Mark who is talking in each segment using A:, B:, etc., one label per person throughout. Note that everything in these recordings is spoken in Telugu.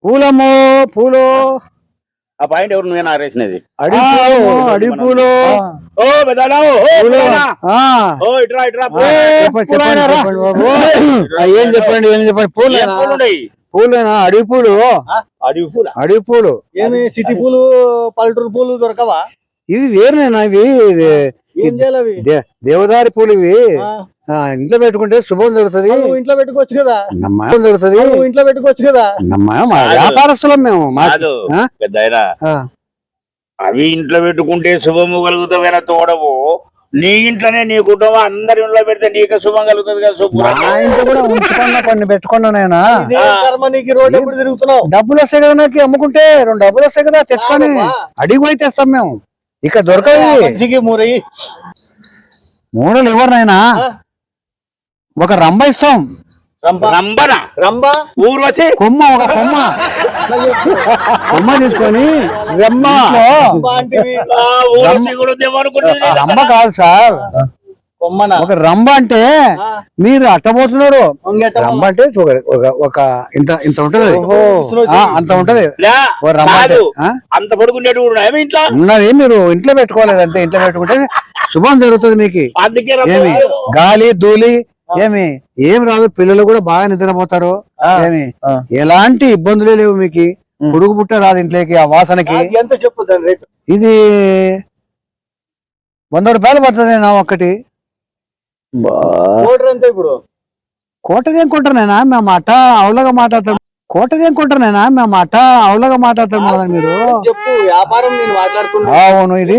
A: పూలము పూలు
B: ఆ పాయింట్ ఎవరు నువ్వేనా ఆరేసినది
A: అడి పూలు
B: ఓ పెద్దనా ఓ ఇట్రా ఇట్రా
A: చెప్పండి బాబు ఏం చెప్పండి పూలేనా అడవి పూలు
B: అడవి పూల
A: అడవి పూలు
C: ఏమి సిటీ పూలు పల్లెటూరు పూలు దొరకవా?
A: ఇవి వేరునేనా ఇవి
C: ఏం చేయాలి అవి?
A: దేవదారి పూలు ఇవి ఇంట్లో పెట్టుకుంటే శుభం జరుగుతుంది.
C: ఇంట్లో పెట్టుకోవచ్చు కదా
A: జరుగుతుంది.
C: ఇంట్లో పెట్టుకోవచ్చు కదా.
A: వ్యాపారస్తులం మేము
B: పెద్ద అవి ఇంట్లో పెట్టుకుంటే శుభము కలుగుతావేనా తోడవు. నీ ఇంట్లోనే నీ కుటుంబం అందరి ఇంట్లో పెడితే నీకు శుభం కలుగుతుంది కదా.
A: మా ఇంట్లో కూడా ఉంచుకున్నా కొన్ని పెట్టుకున్నా నేనా
C: నీకు రోడ్ ఎప్పుడు తిరుగుతున్నావు?
A: డబ్బులు వస్తాయి కదా నాకు అమ్ముకుంటే 2 డబ్బులు వస్తాయి కదా తెచ్చుకొని అడిగి పోయి తెస్తాం మేము. ఇక్కడ దొరకదు మూడలు ఎవరినైనా ఒక రంబ ఇస్తాం.
B: ఊర్వశి
A: కొమ్మ ఒక కొమ్మ తీసుకొని రంబ కాదు సార్, ఒక రంబ అంటే మీరు అట్టబోతున్నారు. రంబ అంటే ఒక ఇంత ఉంటది, అంత ఉంటది
B: అంత పడుకునేది
A: ఉన్నది. మీరు ఇంట్లో పెట్టుకోలేదు అంతే. ఇంట్లో పెట్టుకుంటే శుభం జరుగుతుంది మీకు. ఏమి గాలి ధూళి ఏమి రాదు. పిల్లలు కూడా బాగా నిద్రపోతారు. ఏమి ఎలాంటి ఇబ్బందులే లేవు మీకు. పురుగు పుట్ట రాదు ఇంట్లోకి ఆ వాసనకి.
C: ఎంత చెప్పుతాను రేటు?
A: ఇది 100 రూపాయలు పడుతుంది నా ఒక్కటి.
C: ఇప్పుడు
A: కోటదేం కొంటారేనా మేము అట్ట అవులగా మాట్లాడతాం. కోటదేం కొంటారేనా మేము అట్ట అవులగా మాట్లాడతాం కదా మీరు.
C: చెప్పు వ్యాపారం నేను మాట్లాడుతున్నా.
A: అవును ఇది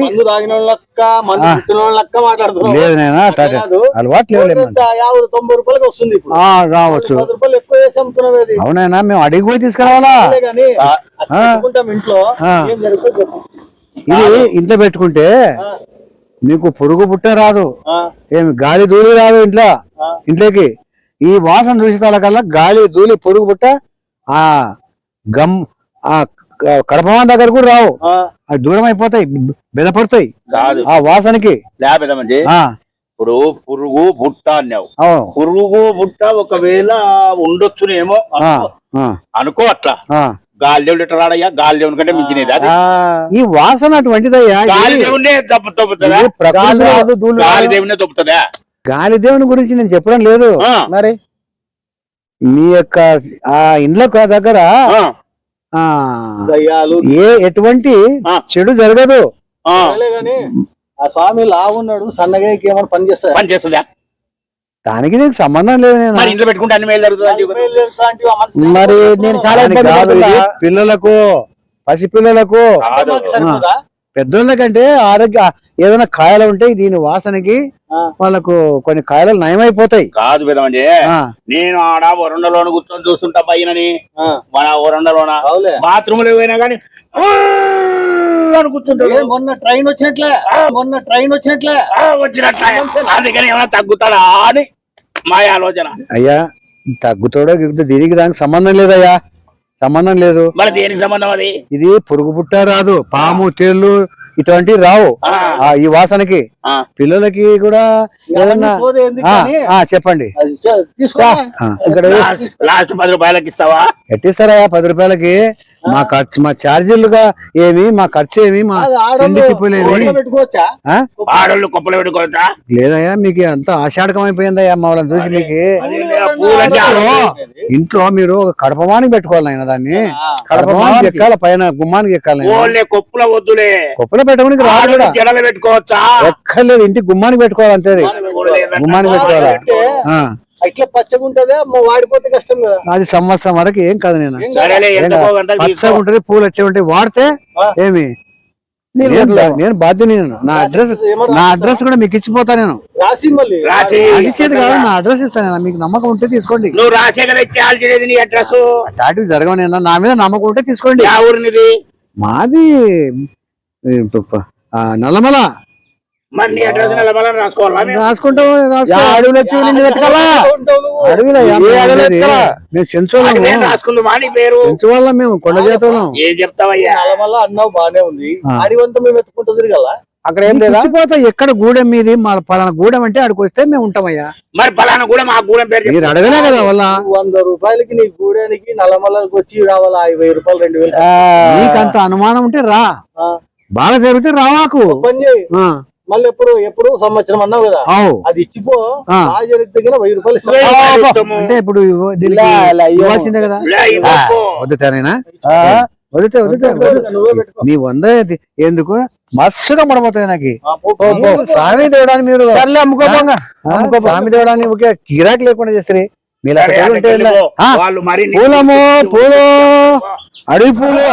A: లేదు నేనా అలవాటు లేదు.
C: 90 రూపాయలకి వస్తుంది
A: రావచ్చు.
C: 10 రూపాయలు ఎక్కువ వేసి అమ్ముతున్నది.
A: అవునైనా మేము అడిగి పోయి తీసుకురావాలా?
C: ఇంట్లో ఏం జరుగుతుంది?
A: ఇది ఇంట్లో పెట్టుకుంటే మీకు పురుగు పుట్ట రాదు, ఏమి గాలి ధూళి రాదు ఇంట్లోకి. ఈ వాసన చూసిన కల్లా గాలి ధూళి పురుగు పుట్ట కడపమాన దగ్గర కూడా రావు. అది దూరం అయిపోతాయి, బెదపడతాయి ఆ వాసనకి.
B: ఇప్పుడు పురుగు బుట్ట అన్నావు. పురుగు బుట్ట ఒకవేళ ఉండొచ్చునేమో అనుకో. అట్లా గాలి దేవుడు ఎట్లా రాడయ్యా? గాలి దేవుని కంటే మించినది అది.
A: ఈ వాసన అటువంటిదయ్యా.
B: గాలి దేవునే దొబ్బుతుందా? గాలి దేవునే దొబ్బుతుందా?
A: గాలి దేవుని గురించి నేను చెప్పడం లేదు. మరి మీ యొక్క ఆ ఇండ్ల దగ్గర ఎటువంటి చెడు జరగదు.
C: ఆ స్వామి లావున్నాడు, సన్నగా ఏమైనా పని
B: చేస్తుందా?
A: దానికి నీకు సంబంధం లేదు. నేను
B: ఇంట్లో పెట్టుకుంటే అన్ని మేలు జరుగుతుంది.
A: మరి నేను చాలా పిల్లలకు, పసిపిల్లలకు, పెద్దోళ్ళకంటే ఆరోగ్య ఏదైనా కాయలు ఉంటాయి. దీని వాసనకి వాళ్ళకు కొన్ని కాయలు నయమైపోతాయి.
B: కాదు పెదమండి, నేను ఆడ వరండలోన కూర్చొని చూస్తుంటా పైనని. మన వరండలోన బాత్రూమ్ లో పోయినా కానీ కూర్చుంటాడు.
C: మొన్న ట్రైన్ వచ్చినట్లే
B: అందుకని ఏమైనా తగ్గుతాడా అని మా ఆలోచన.
A: అయ్యా తగ్గుతాడో దీనికి దానికి సంబంధం లేదయ్యా, సంబంధం లేదు.
B: మరి దేనికి సంబంధం అది?
A: ఇది పురుగు పుట్ట రాదు, పాము తేళ్లు ఇటువంటివి రావు ఈ వాసనకి. పిల్లలకి కూడా ఏదన్నా చెప్పండి.
B: లాస్ట్ 10 రూపాయలకి ఇస్తావా?
A: ఎట్టిస్తారా 10 రూపాయలకి? మా ఛార్జీలుగా ఏమి, మా ఖర్చు ఏమి, మా
B: ఆడోళ్ళు కుప్పలు పెట్టుకోవచ్చా?
A: లేదయ్యా, మీకు అంత ఆషాఢకం అయిపోయిందయ్యా మా వాళ్ళని చూసి. మీకు ఇంట్లో మీరు ఒక కడపమానికి పెట్టుకోవాలి ఆయన. దాన్ని కడపమానికి ఎక్కాలి, పైన గుమ్మానికి ఎక్కాలి.
B: కొప్పుల వద్దులే,
A: కొప్పులో పెట్టుకోనికి రాదు కూడా.
B: జడలు పెట్టుకోవచ్చా?
A: ఎక్కర్లేదు, ఇంటికి గుమ్మానికి పెట్టుకోవాలి అంతే. గుమ్మానికి పెట్టుకోవాలా?
C: ఇట్లా పచ్చగా ఉంటది, వాడిపోతే కష్టం కదా.
A: అది సంవత్సరం వరకు ఏం కాదు. నేను పచ్చగా ఉంటది, పూలు వచ్చే ఉంటాయి, వాడితే ఏమి. నేను బాధ్యత. నా అడ్రస్ కూడా మీకు ఇచ్చిపోతా. నేను రాసేది కాదు, నా అడ్రస్ ఇస్తాను. మీకు నమ్మకం ఉంటే తీసుకోండి.
B: నువ్వు రాసేది అడ్రస్
A: అటాటివ్ జరగను. నా మీద నమ్మకం ఉంటే తీసుకోండి. మాది నల్లమల. రాసుకుంటాం. మేము కొండ జాతరం
B: ఏం చెప్తావయ్యా?
C: అన్నావు బానే ఉంది. అడివంతా మేము ఎత్తుకుంటుంది కదా. అక్కడ ఏం లేదా?
A: పోతా ఎక్కడ గూడెం మీది మా పలానా గూడెం అంటే ఆడికి వస్తే మేము ఉంటామయ్యా.
B: మరి పలానా కూడా మా గూడెం పేరు
A: మీరు అడగలే కదా వాళ్ళ
C: 100 రూపాయలకి నీ గూడానికి నల్లమల్లకి వచ్చి రావాలా 1000 రూపాయలు 2000
A: నీకంత అనుమానం ఉంటే రా, బాగా జరిగితే రావాకు.
C: పని చేయి. మళ్ళీ ఎప్పుడు సంవత్సరం అన్నావు కదా, అది ఇచ్చిపో. బాగా జరిగితే 1000 రూపాయలు ఇస్తాను.
A: అంటే ఇప్పుడు దీనికి ఇవ్వాల్సిందే కదా. వద్దుతానేనా? వదితే నీ 100 ఎందుకు మస్తుగా పడబోతుంది నాకు. స్వామి దేవడానికి మీరు స్వామి దేవడానికి ఒకే గిరాకీ లేకుండా చేస్తారు. పూలము పూలు అడవి పూలు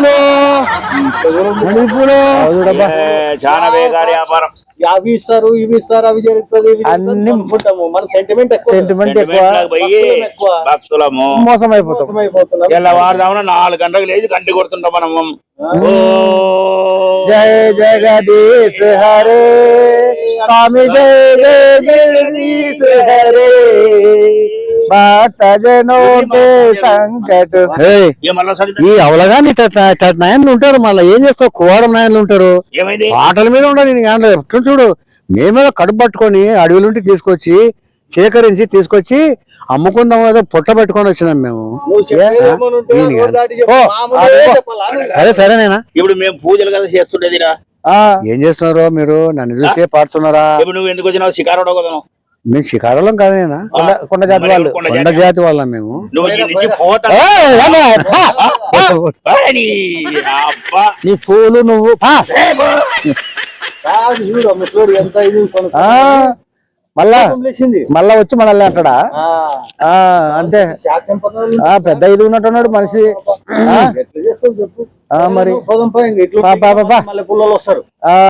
B: చాలా బేకారి వ్యాపారం.
C: అవి ఇస్తారు ఇవి ఇస్తారు అవి జరుగుతుంది అన్ని అనుకుంటాము. మన సెంటిమెంట్ ఎక్కువ,
B: భక్తులము
C: మోసం అయిపోతున్నాం.
B: తెల్లవారుదామున 4 గంటలకు లేచి గంటి కొడుతుంటాం మనము.
C: జయ జగదీశ్ హరే స్వామి, జయ జగదీశ్ హరే సంకట.
A: ఈ అవలగాని నాయన్లు ఉంటారు, మళ్ళీ ఏం చేస్తావు? కువారం నాయన్లు ఉంటారు, ఆటల మీద ఉండదు. చూడు మేమే కడుపు పట్టుకొని అడవులుంటి తీసుకొచ్చి సేకరించి తీసుకొచ్చి అమ్ముకుందాం ఏదో పుట్ట పెట్టుకొని వచ్చినాం మేము. అదే సరేనేనా?
B: ఇప్పుడు మేము పూజలు కదా చేస్తుండేదిరా.
A: ఏం చేస్తున్నారు మీరు? నన్ను చూసే పాడుతున్నారా?
B: ఇప్పుడు నువ్వు ఎందుకు వచ్చినావు? షికారు కదా.
A: మేము షికారులం కాదేనా? కొండ జాతి వాళ్ళు, కొండ జాతి వాళ్ళం మేము.
C: నీ పూలు నువ్వు మళ్ళా వచ్చి మనల్ని అంటాడా? అంటే పెద్ద ఇది ఉన్నట్టున్నాడు మనిషి. మరి పుల్లలు వస్తారు.